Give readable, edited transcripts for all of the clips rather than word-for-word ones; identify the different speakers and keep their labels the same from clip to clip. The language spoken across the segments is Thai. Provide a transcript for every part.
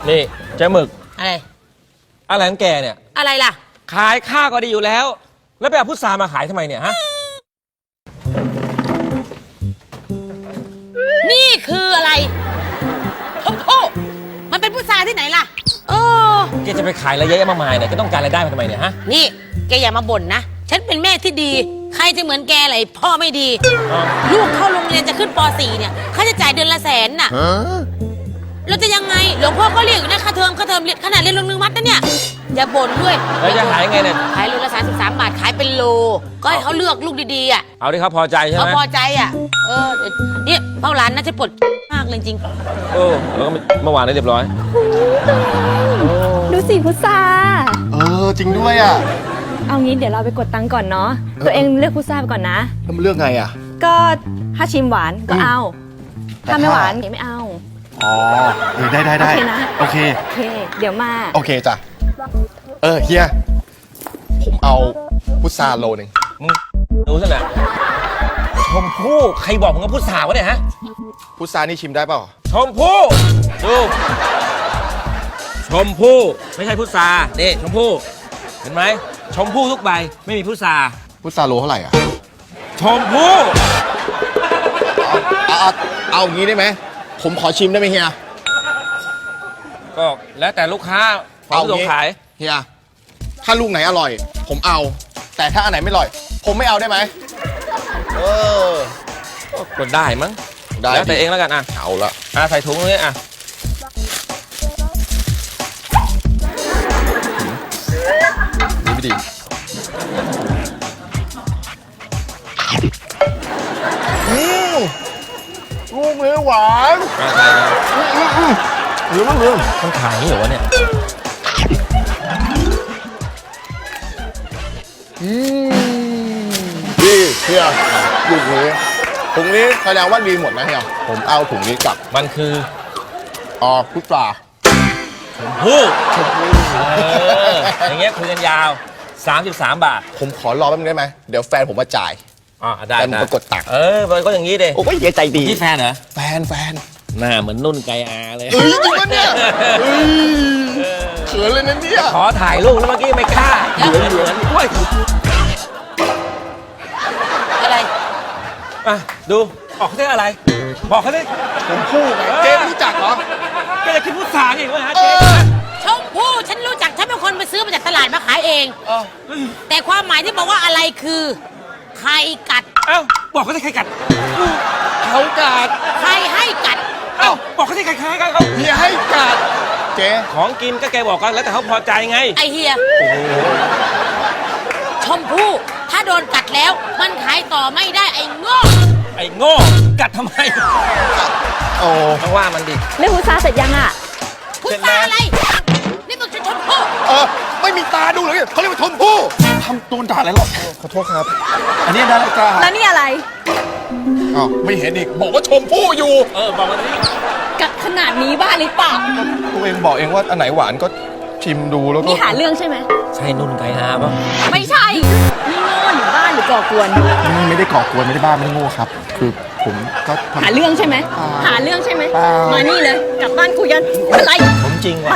Speaker 1: นี่เจ๊หมึก
Speaker 2: อะไร
Speaker 1: อะไรของแกเนี่ย
Speaker 2: อะไรล่ะ
Speaker 1: ขายข้าวก็ดีอยู่แล้วแล้วไปเอาพุทรามาขายทำไมเนี่ยฮะ
Speaker 2: นี่คืออะไรชมพู่มันเป็นพุทราที่ไหนล่ะ
Speaker 1: แกจะไปขายอะไรเยอะมากมายเนี่ยแกต้องการรายได้มาทำไมเนี่ยฮะ
Speaker 2: นี่แกอย่ามาบ่นนะฉันเป็นแม่ที่ดีใครจะเหมือนแกเลยพ่อไม่ดีลูกเข้าโรงเรียนจะขึ้นป .4 เนี่ยค่าใช้จ่ายเดือนละ100,000น่ะเราจะยังไงหลวงพ่อก็เรียกอยู่นะค่าเทอมเรียนขนาดเรียนโรงเรียนวัดนะเนี่ยอย่าบ่นด้วย
Speaker 1: แล้วจะขายยังไงเนี่ย
Speaker 2: ขายโลละ33 บาทขายเป็นโลก็ให้เขาเลือกลูกดีๆอ่ะ
Speaker 1: เอาที่เขาพอใจใช่ไหม
Speaker 2: เขาพอใจอ่ะเนี่ยเป้าร้านน่าจะปวดมากเลยจริง
Speaker 1: แล้วก็เมื่อวานได้เรียบร้อย
Speaker 3: ดูสิพุทรา
Speaker 4: จริงด้วยอ่ะ
Speaker 3: เอางี้เดี๋ยวเราไปกดตังค์ก่อนเนาะตัวเองเลือกพุทราไปก่อนนะ
Speaker 4: แล้วมันเลือกไงอ่ะ
Speaker 3: ก็ถ้าชิมหวานก็เอาถ้าไม่หวานไม่เอา
Speaker 4: ได้โอเคนะโอเค
Speaker 3: เดี๋ยวมา
Speaker 4: โอเคจ้ะเฮียผมเอาพุทราโลนึง
Speaker 1: มึงดูสินะชมพู่ใครบอกมึงว่าพุทราวะเนี่ยฮะ
Speaker 4: พุทรานี่ชิมได้เปล่า
Speaker 1: ชมพู่ดูชมพู่ไม่ใช่พุทรานี่ชมพู่เห็นไหมชมพู่ทุกใบไม่มีพุทรา
Speaker 4: พุทราโลเท่าไหร่อ่ะ
Speaker 1: ชมพู่
Speaker 4: เอางี้ได้ไหมผมขอชิมได้ไหมเฮีย
Speaker 1: ก็แล้วแต่ลูกค้าเอาลงขาย
Speaker 4: เฮียถ้าลูกไหนอร่อยผมเอาแต่ถ้าอันไหนไม่อร่อยผมไม่เอาได้ไหม
Speaker 1: ก็ได้มั้งได้แล้วแต่เองแล้วกันอ่ะ
Speaker 4: เอาละ
Speaker 1: ใส่ถุงตรงนี้อ่ะ
Speaker 4: ดีไม่ดีลูกเนื้อหวาน
Speaker 1: หรือมันขายนี่เหรอวะเนี่ย
Speaker 4: ดีเฮียลูกนี้ถุงนี้แสดงว่าดีหมดนะเฮียผมเอาถุงนี้กลับ
Speaker 1: มันคือ
Speaker 4: พุทรา
Speaker 1: ชมพู่อย่างเงี้ยคุยกันยาว33 บาท
Speaker 4: ผมขอรอแป๊บนึงได้ไหมเดี๋ยวแฟนผมมาจ่าย
Speaker 1: ได้
Speaker 4: ผมมากดตังค์
Speaker 1: ก็อย่างนี้ดิ
Speaker 4: โอ้ยเฮียใจดี
Speaker 1: นี่แฟนเหรอ
Speaker 4: แฟน
Speaker 1: หน้าเหมือนนุ่นไกอาเลย
Speaker 4: จริงปะเนี่ยเขินเลยนะเนี่ย
Speaker 1: ขอถ่ายรูปแล้วเมื่อกี้ไม่กล้าเหมือนด้วย
Speaker 2: อะไร
Speaker 1: ดูบอกเขาได้อะไรบอกเขาได้
Speaker 4: ชมพู่ไงเจ๊รู้จักเหรอ
Speaker 1: ก็จะคิดพูดสาอีกว่าฮะเจ๊
Speaker 2: ชมพู่ฉันรู้จักฉันเป็นคนไปซื้อมาจากตลาดมาขายเองแต่ความหมายที่บอกว่าอะไรคือใครกัด
Speaker 1: บอกเขาได้ใครกัด
Speaker 4: เขากัด
Speaker 2: ใครให้กัด
Speaker 1: บอกเขาได้ใครกัดเขา
Speaker 4: เฮียให้กัดเจ๊
Speaker 1: ของกินก็แกบอกกันแล้วแต่เขาพอใจไง
Speaker 2: ไอเฮียชมพู่ถ้าโดนกัดแล้วมันขายต่อไม่ได้ไอ้โง่
Speaker 1: กัดทำไมต้องว่ามันดิ
Speaker 3: เรื่องพุทราเสร็จยัง
Speaker 2: พุทราอะไรนี่มันคือชมพู่
Speaker 4: ไม่มีตาดูเลยเขาเรียกว่าชมพู่ทำโดนด่าอะไรหรอขอโทษครับอันนี้นาฬิกา
Speaker 3: แล้วนี่อะไร
Speaker 4: ไม่เห็นอีกบอกว่าชมพู่อยู่
Speaker 1: บอกมาดิ
Speaker 3: กัดขนาดนี้บ้าหรือเปล่า
Speaker 4: ตัวเองบอกเองว่าอันไหนหวานก็ชิมดูแล้วก็
Speaker 3: นี่หาเรื่องใช่ไหม
Speaker 1: ใช่นุ่นไกอาป่ะ
Speaker 3: ไม่ใช่นี่โง่หรือบ้าหรือก่อกวน
Speaker 4: ไม่ได้ก่อกวนไม่ได้บ้าไม่ได้โง่ครับคือผมก็
Speaker 3: หาเรื่องใช่ไหมหาเรื่องใช่ไหมมานี่เลยกลับบ้านคุยกันอะไร
Speaker 1: ผมจริงว่ะ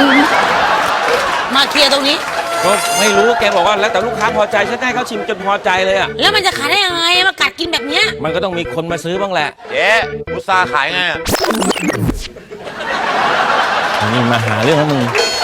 Speaker 2: มาเคลียร์ตรงนี้
Speaker 1: ก็ไม่รู้แกบอกว่าแล้วแต่ลูกค้าพอใจฉันให้เขาชิมจนพอใจเลย
Speaker 2: แล้วมันจะขายได้ยังไงมากัดกินแบบเนี้ย
Speaker 1: มันก็ต้องมีคนมาซื้อบ้างแหละ
Speaker 4: เจ๊พุทราขายไง
Speaker 1: นี่มาหาเรื่องแล้วมึง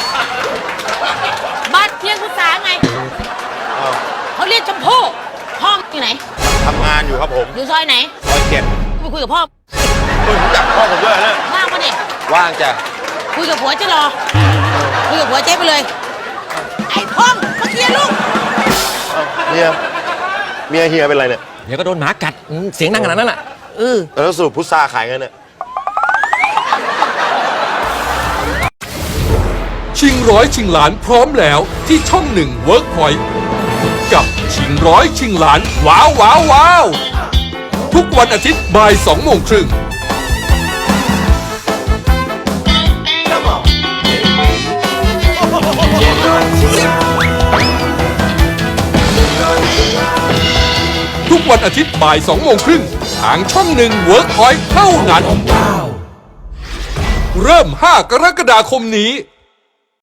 Speaker 2: บ้านเที่ยงพุทราไงเขาเรียกชมพู่พ่ออยู่ไหน
Speaker 4: ทำงานอยู่ครับผม
Speaker 2: อยู่ซอยไหน
Speaker 4: ซอย7
Speaker 2: ไปคุยกับพ่อ
Speaker 4: รู้จักพ่อผมด้วยนะ
Speaker 2: ว่างปะเนี่ย
Speaker 4: ว่างจ้ะ
Speaker 2: คุยกับผัวจะรอคุยกับผัวเจ๊ไปเลยไอ้พ่องมาเคลียร์ลูก
Speaker 4: เมียเฮียเป็นไรเนี่ย
Speaker 1: เดี๋ยวก็โดนหมากัดเสียงดังขนาดนั้นแหละ
Speaker 4: แล้วสรุปพุทราขายไงเนี่ย
Speaker 5: ชิงร้อยชิงล้านพร้อมแล้วที่ช่อง1 Workpoint กับชิงร้อยชิงล้านว้าวทุกวันอาทิตย์บ่าย 2:30 น.ทุกวันอาทิตย์บ่าย 2:30 น.ทางช่อง1 Workpoint เท่านั้นเริ่ม 5 กรกฎาคมนี้